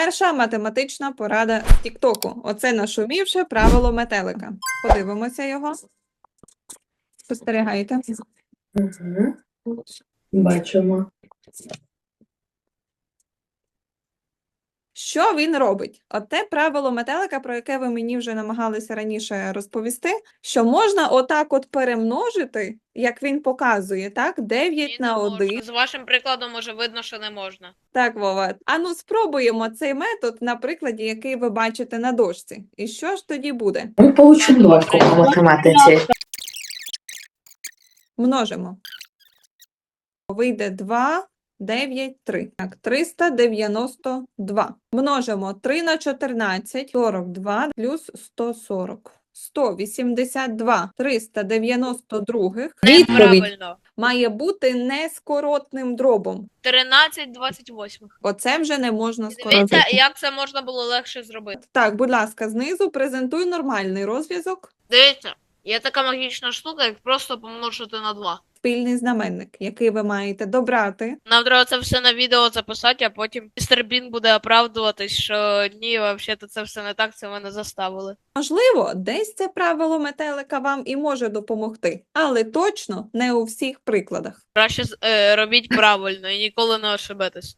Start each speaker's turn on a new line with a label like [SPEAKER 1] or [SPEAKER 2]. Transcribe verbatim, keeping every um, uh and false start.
[SPEAKER 1] Перша математична порада з Тіктоку. Оце нашумівше правило метелика. Подивимося його. Спостерігайте.
[SPEAKER 2] Угу. Бачимо.
[SPEAKER 1] Що він робить? Оте правило метелика, про яке ви мені вже намагалися раніше розповісти, що можна отак от перемножити, як він показує, так? дев'ять на один.
[SPEAKER 3] З вашим прикладом може видно, що не можна.
[SPEAKER 1] Так, Вова. А ну спробуємо цей метод на прикладі, який ви бачите на дошці. І що ж тоді буде?
[SPEAKER 2] Ми получимо двойку по математиці.
[SPEAKER 1] Множимо. Вийде два, дев'ять, три. Так, триста дев'яносто два. Множимо три на чотирнадцять, сорок два плюс сто сорок. сто вісімдесят два. триста дев'яносто два. Відповідь
[SPEAKER 3] Неправильно.
[SPEAKER 1] має бути нескоротним дробом.
[SPEAKER 3] тринадцять двадцять восьмих.
[SPEAKER 1] Оце вже не можна
[SPEAKER 3] Дивіться,
[SPEAKER 1] скоротити.
[SPEAKER 3] як це можна було легше зробити.
[SPEAKER 1] Так, будь ласка, знизу презентуй нормальний розв'язок.
[SPEAKER 3] Дивіться, є така магічна штука, як просто помножити на два.
[SPEAKER 1] Спільний знаменник, який ви маєте добрати.
[SPEAKER 3] Нам треба це все на відео записати, а потім містер Бін буде оправдуватись, що ні, взагалі це все не так, це мене заставили.
[SPEAKER 1] Можливо, десь це правило метелика вам і може допомогти, але точно не у всіх прикладах.
[SPEAKER 3] Краще е, робіть правильно і ніколи не ошибетесь.